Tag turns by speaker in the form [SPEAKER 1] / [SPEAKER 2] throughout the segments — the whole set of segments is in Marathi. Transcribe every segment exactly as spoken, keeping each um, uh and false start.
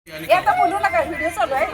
[SPEAKER 1] आता बोलू नका, व्हिडिओ चालू आहे.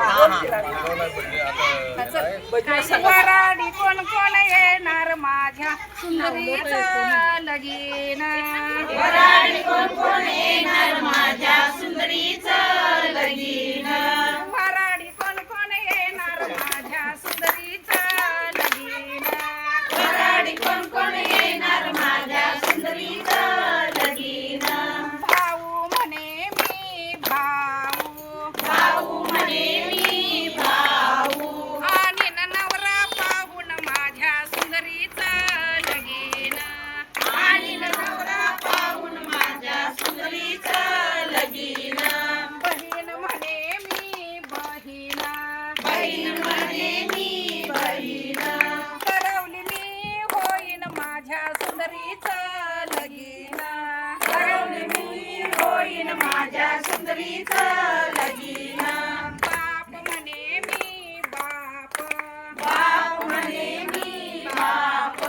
[SPEAKER 1] वराडी कोण कोण येणार माझ्या सुंदरीचं लगीन.
[SPEAKER 2] वराडी कोण कोण येणार माझ्या सुंदरीचं लगीन.
[SPEAKER 1] वराडी कोण कोण येणार माझ्या सुंदरीचं लगीन.
[SPEAKER 2] वराडी कोण कोण येणार माझ्या सुंदरीचं लगीन.
[SPEAKER 1] भाऊ म्हणे मी भाऊ,
[SPEAKER 2] भाऊ म्हणे मी भाऊ.
[SPEAKER 1] आणि नवरा पाहून माझ्या सुंदरीचं लगीन.
[SPEAKER 2] आणि नवरा पाहून माझ्या सुंदरीचं लगीन.
[SPEAKER 1] बहीण म्हणे मी बहीण,
[SPEAKER 2] बहीण म्हणे मी बहीण.
[SPEAKER 1] करवली मी होईन माझ्या सुंदरीचं लगीन.
[SPEAKER 2] करवली मी होईन माझ्या सुंदरीचं लगीन.
[SPEAKER 1] बाप म्हणे मी बाप,
[SPEAKER 2] बाप म्हणे मी बाप.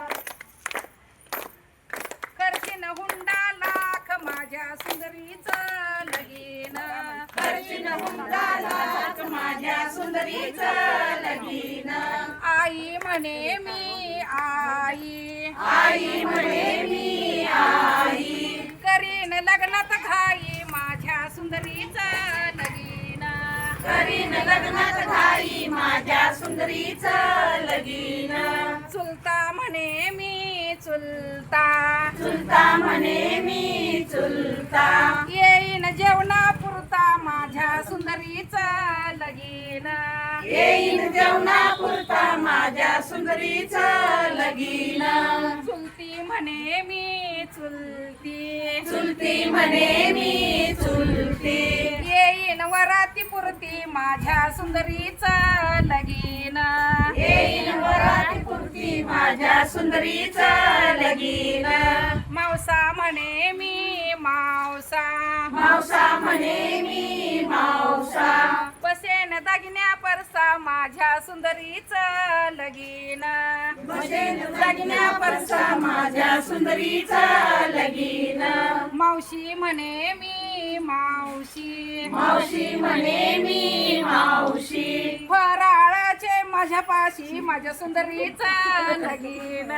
[SPEAKER 1] करशीन हुंडा लाख माझ्या सुंदरीचं लगीन.
[SPEAKER 2] करशीन हुंडा लाख माझ्या सुंदरीचं लगीन.
[SPEAKER 1] आई म्हणे मी आई,
[SPEAKER 2] आई म्हणे मी आई.
[SPEAKER 1] करीन लग्नात घाई माझ्या सुंदरीचं लगीन.
[SPEAKER 2] करीन लग्नात घाई माझ्या सुंदरीचं लगीन.
[SPEAKER 1] चुलता म्हणे मी चुलता,
[SPEAKER 2] चुलता म्हणे मी चुलता.
[SPEAKER 1] येईन जेवणा पुरता माझ्या सुंदरीचं लगीन.
[SPEAKER 2] येईन जेवणा पुरता माझ्या सुंदरीचं लगीन.
[SPEAKER 1] चुलती म्हणे मी चुलती,
[SPEAKER 2] चुलती म्हणे मी चुलती.
[SPEAKER 1] येईन वराती पुरती माझ्या सुंदरीचं लगीन.
[SPEAKER 2] येईन वराती पुरती माझ्या सुंदरीचं लगीन.
[SPEAKER 1] मावसा म्हणे मी मावसा,
[SPEAKER 2] मावसा म्हणे मी मावसा.
[SPEAKER 1] बसेन दागिन्या परसा माझ्या सुंदरीचं लगीन.
[SPEAKER 2] बसेन दागिन्या परसा माझ्या सुंदरीचं लगीन.
[SPEAKER 1] मावशी म्हणे मी मावशी,
[SPEAKER 2] मावशी म्हणे मी मावशी.
[SPEAKER 1] फराळाचे माझ्या पाशी माझ्या सुंदरीचं लगीन.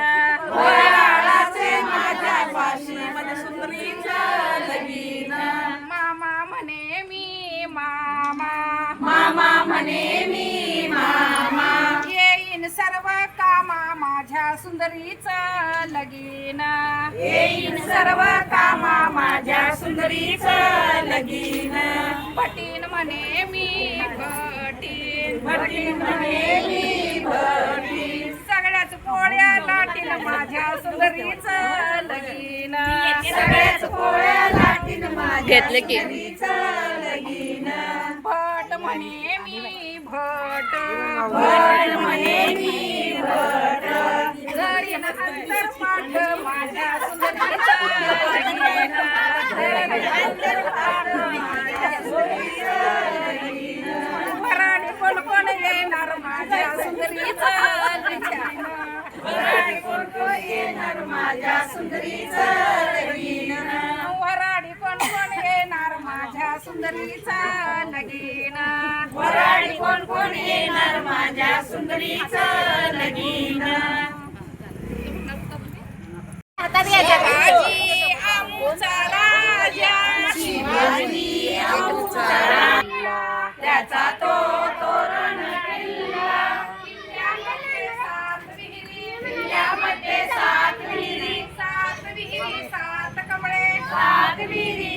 [SPEAKER 2] वराळाचे माझ्या पाशी माझ्या सुंदरीचं लगीन.
[SPEAKER 1] मामा म्हणे मी मामा,
[SPEAKER 2] मामा म्हणे मी मामा.
[SPEAKER 1] येईन सर्व कामा माझ्या सुंदरीचं लगीन.
[SPEAKER 2] येईन सर्व कामा माझ्या सुंदरीचं लगीन.
[SPEAKER 1] भटीन म्हणे मी भटीन,
[SPEAKER 2] भटीन म्हणे मी भटीन.
[SPEAKER 1] सगळ्याच पोळ्या लाटीन माझ्या सुंदरीचं लगीन.
[SPEAKER 2] सगळ्याच पोळ्या लाटीन माझ्या सुंदरीचं लगीन.
[SPEAKER 1] भट म्हणे मी भट,
[SPEAKER 2] भट म्हणे मी भट.
[SPEAKER 1] धरीन अंतर पाठ माझ्या सुंदरीचं लगीन. धरीन अंतर पाठ माझ्या सुंदरीचं लगीन. वराडी कोण कोण येणार माझ्या सुंदरीचं लगीन.
[SPEAKER 2] वराडी कोण कोण येणार माझ्या सुंदरीचं लगीन.
[SPEAKER 1] वराडी कोण कोण येणार माझ्या सुंदरीचं लगीन.
[SPEAKER 2] वराडी कोण कोण येणार माझ्या सुंदरीचं लगीन.
[SPEAKER 1] शिवाजी आमचा राजा,
[SPEAKER 2] शिवाजी आमचा राजा. त्याचा तो तोरण किल्ला.
[SPEAKER 1] किल्ल्यामध्ये सात विहिरी,
[SPEAKER 2] किल्ल्यामध्ये सात विहिरी.
[SPEAKER 1] सात विहिरी सात कमळे,
[SPEAKER 2] सात विहिरी